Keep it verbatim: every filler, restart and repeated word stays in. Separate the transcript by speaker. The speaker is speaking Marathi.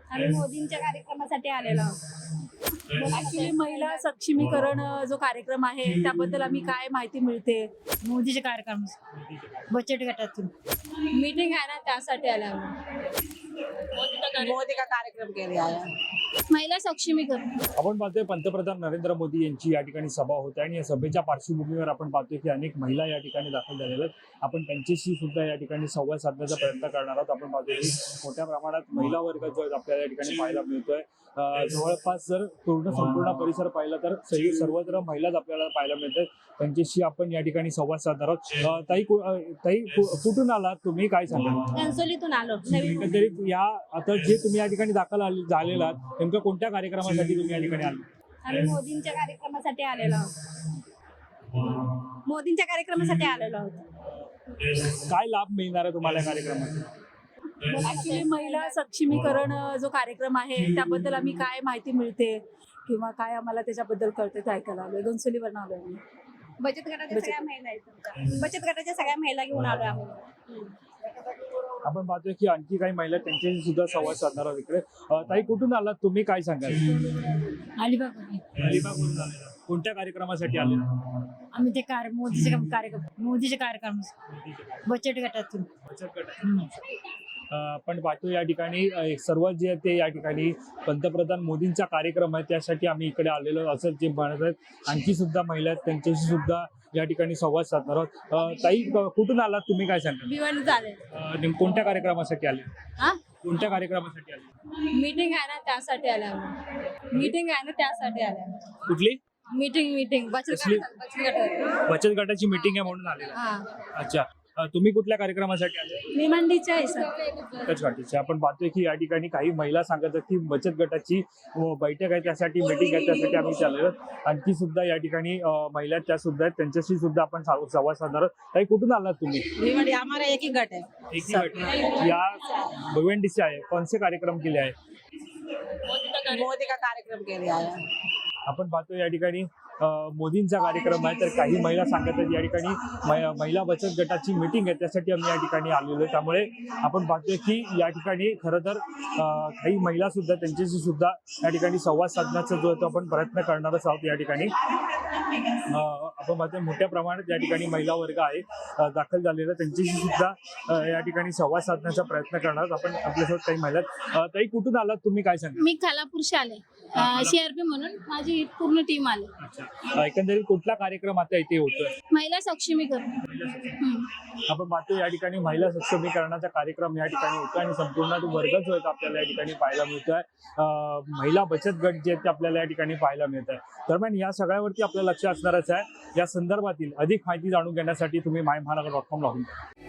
Speaker 1: आम्ही मोदींच्या कार्यक्रमासाठी आलेलो आहोत.
Speaker 2: ऍक्च्युली महिला सक्षमीकरण अ, जो कार्यक्रम आहे त्याबद्दल आम्ही काय माहिती मिळते?
Speaker 1: मोदीचे कार्यक्रम बचत गटातून
Speaker 2: मीटिंग आहे ना त्यासाठी आलो आम्ही.
Speaker 1: मोदी का कार्यक्रम के लिए आया.
Speaker 2: महिला सक्षमीकरण
Speaker 3: आपण पाहतोय पंतप्रधान नरेंद्र मोदी यांची या ठिकाणी सभा होते आणि या सभेच्या पार्श्वभूमीवर आपण पाहतोय की अनेक महिला या ठिकाणी दाखल झालेल्या आहेत. आपण त्यांच्याशी सुद्धा या ठिकाणी संवाद साधण्याचा प्रयत्न करणार आहोत. आपण पाहतोय की मोठ्या प्रमाणात महिला वर्ग जो आहे आपल्याला या ठिकाणी पाहायला मिळतोय. अं, जवळपास जर पूर्ण संपूर्ण परिसर पाहिला तर सगळी सर्वत्र महिलाच आपल्याला पाहायला मिळतात. त्यांच्याशी आपण या ठिकाणी संवाद साधणार आहोत. अं, ताई कु- अं, ताई कु- कुठून आलात तुम्ही, काय सांगाल?
Speaker 2: कणसोलीतून आलो. नवीन
Speaker 3: एकंदरीत या आता जे तुम्ही या ठिकाणी दाखल आले- झालेला आहात नेमकं कोणत्या कार्यक्रमासाठी तुम्ही या ठिकाणी आले?
Speaker 1: आम्ही मोदींच्या कार्यक्रमासाठी आलेलो आहोत. मोदींच्या कार्यक्रमासाठी आलेलो आहोत.
Speaker 3: काय लाभ मिळणार आहे तुम्हाला या कार्यक्रमाचा?
Speaker 2: ऍक्च्युली महिला सक्षमीकरण अ, जो कार्यक्रम आहे त्याबद्दल आम्ही काय माहिती मिळते किंवा काय आम्हाला त्याच्याबद्दल कळते ते ऐकायला आलोय. घनसोलीवरून आलोय आम्ही.
Speaker 1: बचत गटाच्या सगळ्या महिला आहेत तुमच्या. बचत गटाच्या सगळ्या महिला घेऊन आलो आम्ही.
Speaker 3: आपण पाहतोय की आणखी काही महिला त्यांच्याशी सुद्धा संवाद साधणार आहोत इकडे. अं, ताई कुठून आलात तुम्ही, काय सांगाल?
Speaker 2: अलिबाग
Speaker 3: अलिबागवरून आलेला. कोणत्या कार्यक्रमासाठी आले?
Speaker 1: आम्ही ते कार्य मोदीचे कार्यक्रम मोदीचे कार्यक्रम बचत गटातून
Speaker 3: बचत गट. आपण पाहतो या ठिकाणी अं, सर्व जे आहे ते या ठिकाणी पंतप्रधान मोदींचा कार्यक्रम आहे त्यासाठी आम्ही इकडे आलेलो असं जे म्हणत आहेत. आणखी सुद्धा महिला आहेत त्यांच्याशी सुद्धा या ठिकाणी संवाद साधणार आहोत. अं, ताई क- कुठून आलात तुम्ही, काय सांगाल?
Speaker 2: भिवंडी झाले.
Speaker 3: अं, नेम- कोणत्या कार्यक्रमासाठी आले?
Speaker 2: हा
Speaker 3: कोणत्या कार्यक्रमासाठी आले?
Speaker 2: मीटिंग आहे ना त्यासाठी आले आम्ही. मीटिंग आहे ना त्यासाठी आले आम्ही.
Speaker 3: कुठली?
Speaker 2: मीटिंग मीटिंग बचत
Speaker 3: कसली?
Speaker 2: गट- बचत गट.
Speaker 3: बचत गटाची मीटिंग आहे म्हणून आलेला.
Speaker 2: हा
Speaker 3: अच्छा. अं, तुम्ही कुठल्या कार्यक्रमासाठी आले?
Speaker 2: मी मंडीच्या आहे सर.
Speaker 3: बचत गटाची. आपण पाहतोय की या ठिकाणी काही महिला सांगत आहेत की बचत गटाची अं, बैठक आहे त्यासाठी, मीटिंग आहे त्यासाठी आम्ही चाललेलो. आणखी सुद्धा या ठिकाणी अं, महिला त्या सुद्धा आहेत त्यांच्याशी सुद्धा आपण सा- संवाद साधणार आहोत. ताई कुठून आलात तुम्ही?
Speaker 1: भिवंडी हमारा एक ही गट है.
Speaker 3: एक ही गट. या भिवंडीचे आहे. कोणते कार्यक्रम केले आहे?
Speaker 1: मोदी का कार्यक्रम के लिए आया.
Speaker 3: आपण पाहतो या ठिकाणी अं, मोदींचा कार्यक्रम आहे तर काही महिला सांगत आहेत या ठिकाणी मै- महिला बचत गटाची मीटिंग आहे त्यासाठी आम्ही या ठिकाणी आलेलो आहे. त्यामुळे आपण पाहतोय की या ठिकाणी खरं तर अं, काही महिला सुद्धा त्यांच्याशी सुद्धा या ठिकाणी संवाद साधण्याचा जो आहे तो आपण प्रयत्न करणारच आहोत. या ठिकाणी अं, आपण पाहतोय मोठ्या प्रमाणात या ठिकाणी महिला वर्ग आहे अं, दाखल झालेला. त्यांच्याशी सुद्धा अं, या ठिकाणी संवाद साधण्याचा प्रयत्न करणार आहोत. आपण आपल्यासोबत काही महिला आहेत. अं, ताई कुठून आलात तुम्ही, काय सांगा?
Speaker 2: मी खालापूरशी आले. सीआरपी म्हणून माझी पूर्ण टीम आली.
Speaker 3: अच्छा. एकंदरीत कुठला कार्यक्रम आता इथे होतोय?
Speaker 2: महिला सक्षमीकरण. हम्म.
Speaker 3: आपण पाहतो या ठिकाणी महिला सक्षमीकरणाचा कार्यक्रम या ठिकाणी होतो आणि संपूर्ण तो वर्ग जो आहे तो आपल्याला या ठिकाणी पाहायला मिळतोय. अं, महिला बचत गट जे आहेत ते आपल्याला या ठिकाणी पाहायला मिळत आहे. दरम्यान या सगळ्यावरती आपलं लक्ष असणारच आहे. या संदर्भातील अधिक माहिती जाणून घेण्यासाठी तुम्ही माय महानगर डॉट कॉम लॉग इन करा.